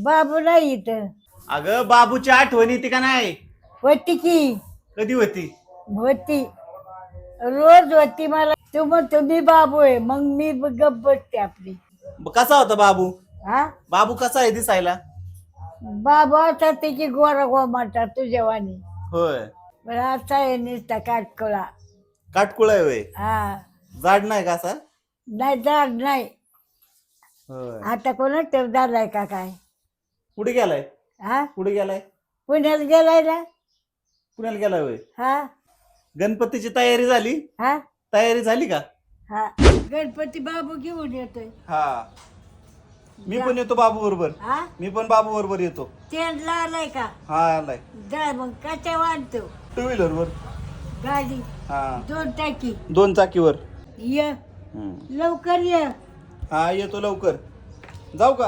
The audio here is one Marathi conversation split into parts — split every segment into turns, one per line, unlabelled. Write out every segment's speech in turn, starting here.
बाबू नाही इथं.
अगं बाबूची आठवण येते का नाही?
होती की
कधी होती?
होती, रोज होती. मला तू म्हणतो मी बाबू आहे, मग मी गप्प बसते आपली.
कसा होता बाबू?
हा
बाबू कसा आहे दिसायला?
बाबू आता तिची गोरा गोमाटा तुझ्या वाणी.
होय.
पण आता आहे नुसता काटकोळा.
काटकुळा आहे होय.
हा
जाड नाही का असा?
नाही जाड नाही.
होय.
आता कोणाच ठेव झालाय का काय?
कुठे गेलाय?
हा
कुठे गेलाय?
पुण्यात गेलाय ना.
पुण्याला गेलाय होय.
हा
गणपतीची तयारी झाली?
हा
तयारी झाली का?
हा गणपती बाबू घेऊन येतोय.
हा मी पण येतो बाबू बरोबर.
हा
मी पण बाबू बरोबर येतो.
ट्रेनला आलाय का?
हा आलाय.
जा मग कशा वाढतो?
2 व्हीलर वर.
गाडी
हा
2 टाकी.
2 चाकीवर.
ये लवकर ये.
हा येतो लवकर. जाऊ का?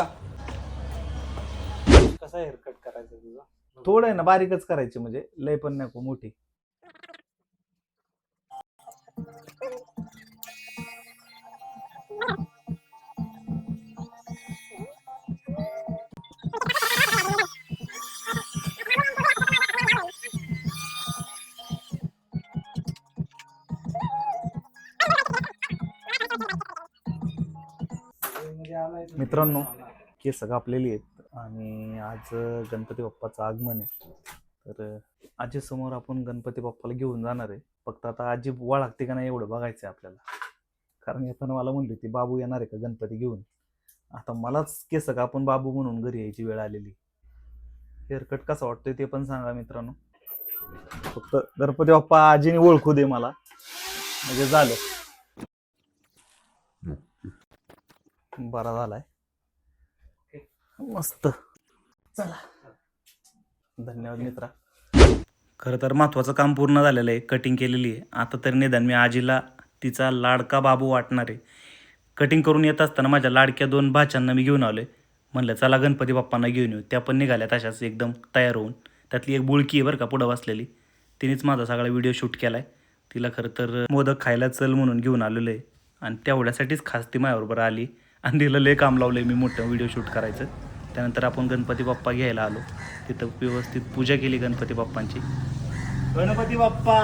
कसा हेअरकट करायचा तुझा? थोडं आहे ना, बारीकच करायची, म्हणजे लय पण नको मोठी. मित्रांनो, केस कापलेली आहेत आणि आज गणपती बाप्पाचं आगमन आहे. तर आजी समोर आपण गणपती बाप्पाला घेऊन जाणार आहे. फक्त आता आजी लागते का नाही एवढं बघायचं आहे आपल्याला. कारण येताना मला म्हणली होती बाबू येणार आहे का गणपती घेऊन. आता मलाच केस कापून बाबू म्हणून घरी यायची वेळ आलेली. हेअरकट कसा वाटतोय ते पण सांगा मित्रांनो. फक्त गणपती बाप्पा आजीने ओळखू दे मला, म्हणजे झालं. बरा झालाय, मस्त. चला, धन्यवाद मित्रा. खरं तर महत्वाचं काम पूर्ण झालेलं आहे. कटिंग केलेली आहे. आता तरी निदान मी आजीला तिचा लाडका बाबू वाटणार आहे. कटिंग करून येत असताना माझ्या लाडक्या 2 भाच्यांना मी घेऊन आलोय. म्हणलं चला गणपती बाप्पांना घेऊन येऊ. त्या पण निघाल्या तशाच एकदम तयार होऊन. त्यातली एक बुळकी आहे बरं का पुढं बसलेली, तिनेच माझा सगळा व्हिडिओ शूट केलाय. तिला खरं तर मोदक खायला चल म्हणून घेऊन आलेलो आहे आणि तेवढ्यासाठीच खास ती माझ्याबरोबर आली आणि तिला लय काम लावलंय मी मोठं व्हिडिओ शूट करायचं. त्यानंतर आपण गणपती बाप्पा घ्यायला आलो. तिथं व्यवस्थित पूजा केली गणपती बाप्पांची. गणपती बाप्पा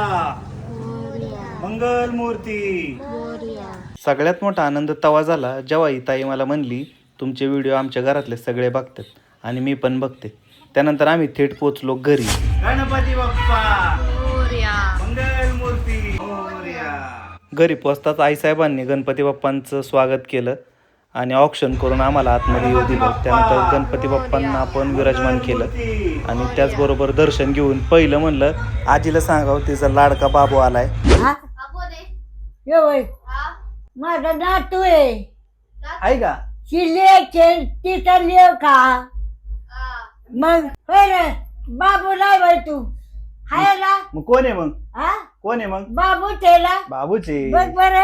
मंगल मूर्ती. सगळ्यात मोठा आनंद तवा झाला जेव्हा ही ताई मला म्हणली तुमचे व्हिडिओ आमच्या घरातले सगळे बघतात आणि मी पण बघते. त्यानंतर आम्ही थेट पोचलो घरी. गणपती बाप्पा मंगल मूर्ती. घरी पोचताच आईसाहेबांनी गणपती बाप्पांचं स्वागत केलं आणि ऑक्शन करून आम्हाला आतमध्ये येऊ दिलं. त्यानंतर गणपती बाप्पांना आपण विराजमान केलं आणि त्याचबरोबर दर्शन घेऊन पहिलं म्हणलं आजीला सांगावं तिचा लाडका बाबू आलाय.
माझा नातू आहे
का?
तिचा लिव का? मग बाबू नाही बाई तू हाय ना.
मग कोण आहे मग?
हा
कोण आहे मग?
बाबू तेला
बाबूचे.
बघ बर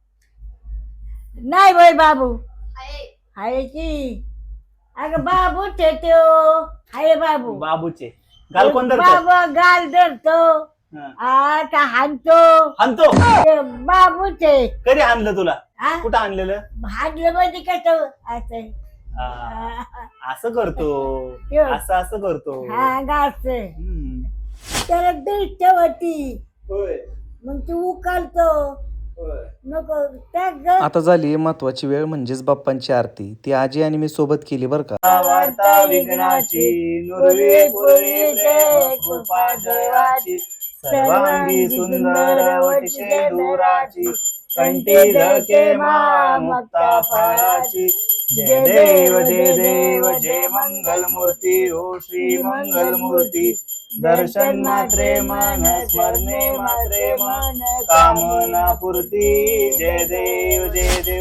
नाही बाई बाबू हाय की. अगं बाबू ते हाय बाबू.
बाबूचे गाल कोण धरतं?
बाबा गाल धरतो. आता हाणतो.
हाणतो?
बाबूचे.
कधी आणलं तुला? कुठं आणलेलं?
हाणलं म्हणजे कसं असं
असं करतो, असं असं करतो.
हा गाच त्याला दृष्ट होती. मग तू उकालतो नको.
आता झाली महत्वाची वेळ म्हणजेच बाप्पांची आरती. ती आजी आणि मी सोबत केली बरं का. वार्ता विघ्नाची नुरवी पुरवी प्रेम कृपा जयवाची सर्वांगी सुंदर वटशे दुराची कंठी झळके मा मुक्ता फळाची. जय देव जय देव जय मंगल मूर्ती ओ श्री मंगल मूर्ती. दर्शन मात्रे मन स्मरणे मात्रे मन कामना पूर्ती. जय देव जय देव.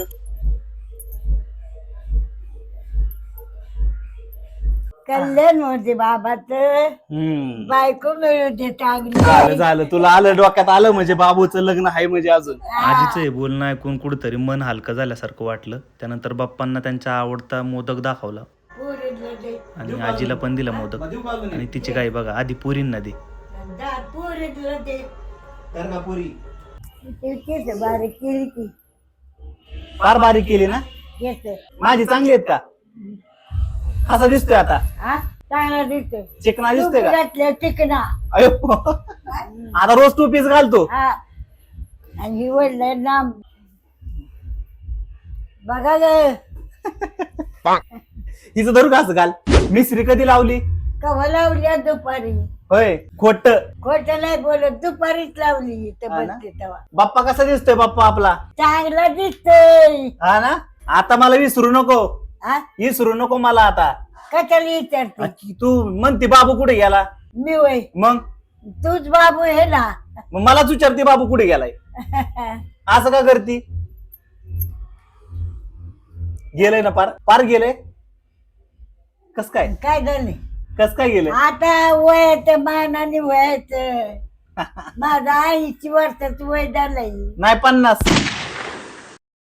कल्याण होते बाबाच. बायको मिळू दे चांगली.
झालं झालं, तुला आलं डोक्यात आलं म्हणजे बाबूचं लग्न आहे म्हणजे. अजून आजीचं हे बोलणं ऐकून कुठंतरी मन हलकं झाल्यासारखं वाटलं. त्यानंतर बाप्पांना त्यांचा आवडता मोदक दाखवला आणि आजीला पण दिला मोदक. आणि तिची काय बघा आधी पुरींना दे.
बारीक केली की
फार बारीक केली ना. माझी चांगली आहेत का? कसा दिसतोय आता?
हा चांगला दिसतोय.
चिकना दिसतोय का?
घातल्या चिकना.
अयो आता रोज टू पीस घालतो.
हा आणि ही वडलं नाम बघा ग.
हिचं धरू का असं घाल? मिसरी कधी लावली?
कवा लावली आज दुपारी.
होय खोट.
खोट नाही बोलत, दुपारीच लावली इथं
हा ना?
बसते तेव्हा.
बाप्पा कसा दिसतोय बाप्पा आपला?
चांगला दिसतोय.
हा ना. आता मला विसरू नको.
हा
विसरू नको मला आता.
कशाला विचारते?
तू म्हणते बाबू कुठे गेला?
मी वय
मग
तूच बाबू आहे ना.
मग मलाच विचारते बाबू कुठे गेलाय. असं का करती? गेलंय ना पार पार गेलंय. कस काय
काय झालं
कस काय गेलंय?
आता वयाचं मानाने वयाचं माझं 80 वर्षाचं वय झालंय.
नाही 50.